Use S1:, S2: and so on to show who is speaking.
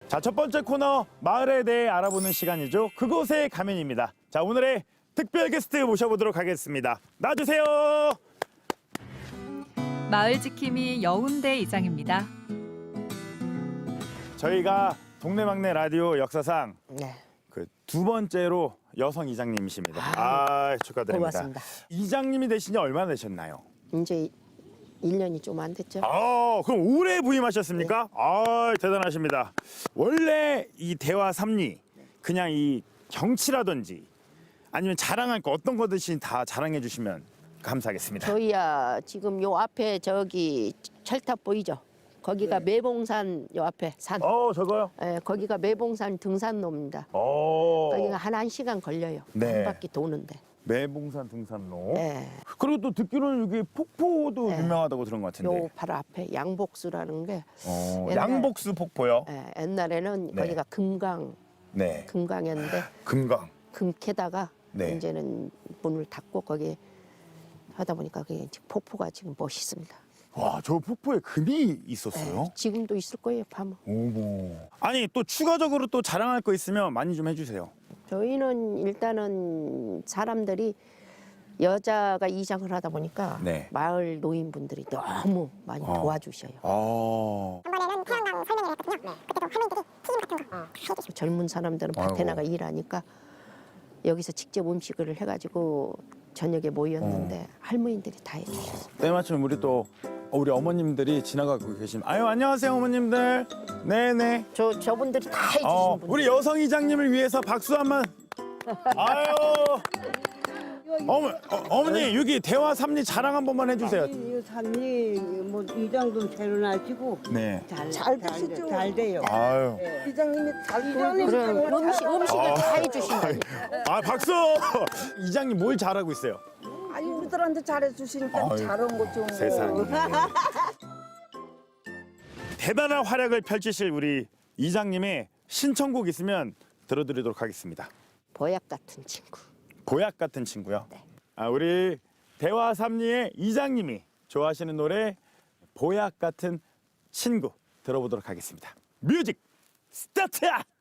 S1: 자, 첫 번째 코너 마을에 대해 알아보는 시간이죠. 그곳의 가면입니다. 자, 오늘의 특별 게스트 모셔보도록 하겠습니다. 나와주세요.
S2: 마을 지킴이 여운대 이장입니다.
S1: 저희가 동네막내 라디오 역사상
S3: 네.
S1: 그 두 번째로 여성 이장님이십니다. 아, 축하드립니다.
S3: 고맙습니다.
S1: 이장님이 되신 지 얼마나 되셨나요?
S3: 이제 1년이 좀 안 됐죠.
S1: 아, 그럼 올해 부임하셨습니까? 아, 대단하십니다. 원래 이 대화 삼리 그냥 이 경치라든지 아니면 자랑할 거 어떤 거든지 다 자랑해 주시면 감사하겠습니다.
S3: 저희야 지금 요 앞에 저기 철탑 보이죠? 거기가 매봉산 요 앞에 산.
S1: 저거요?
S3: 예, 거기가 매봉산 등산로입니다. 거기가 한 1시간 걸려요.
S1: 네.
S3: 한 바퀴 도는데.
S1: 매봉산 등산로.
S3: 예.
S1: 그리고 또 듣기로는 여기 폭포도
S3: 네.
S1: 유명하다고 들은 것 같은데.
S3: 요 바로 앞에 양복수라는 게 옛날-
S1: 양복수 폭포요?
S3: 옛날에는
S1: 네.
S3: 거기가
S1: 네.
S3: 금강이었는데
S1: 금강.
S3: 금 캐다가
S1: 네.
S3: 이제는 문을 닫고 거기 하다 보니까 그게 지금 폭포가 지금 멋있습니다.
S1: 와, 저 폭포에 금이 있었어요?
S3: 예, 지금도 있을 거예요, 밤은.
S1: 어머. 아니, 또 추가적으로 또 자랑할 거 있으면 많이 좀 해주세요.
S3: 저희는 일단은 사람들이 여자가 이장을 하다 보니까
S1: 네.
S3: 마을 노인분들이 너무 많이 도와주셔요.
S1: 아.
S4: 이번에는 태양광 설명을 했거든요. 그때도 할머니들이 튀김 같은 거 해주시고
S3: 젊은 사람들은 밭에
S1: 아이고.
S3: 나가 일하니까 여기서 직접 음식을 해가지고 저녁에 모였는데 할머니들이 다 해주셨어요.
S1: 때마침 우리 어머님들이 지나가고 계신. 아유, 안녕하세요, 어머님들. 네네.
S3: 저분들이 다 해주신 분들.
S1: 우리 여성 이장님을 위해서 박수 한번. 아유. 어머니 여기 대화 삼리 자랑 한 번만 해주세요.
S5: 이 산이 뭐 이장도 데려나시고
S1: 네.
S5: 잘 되시죠? 잘 돼요.
S1: 아유.
S5: 이장님이 잘
S3: 그럼 음식을 다 해주신다니.
S1: 아, 박수. 이장님 뭘 잘하고 있어요?
S5: 아니 우리들한테 잘해주시니까
S1: 아유,
S5: 잘한 거죠. 뭐.
S1: 세상에. 대단한 활약을 펼치실 우리 이장님의 신청곡 있으면 들어드리도록 하겠습니다.
S3: 보약 같은 친구.
S1: 보약 같은 친구요.
S3: 네.
S1: 아, 우리 대화 삼리의 이장님이 좋아하시는 노래 보약 같은 친구 들어보도록 하겠습니다. 뮤직 스타트!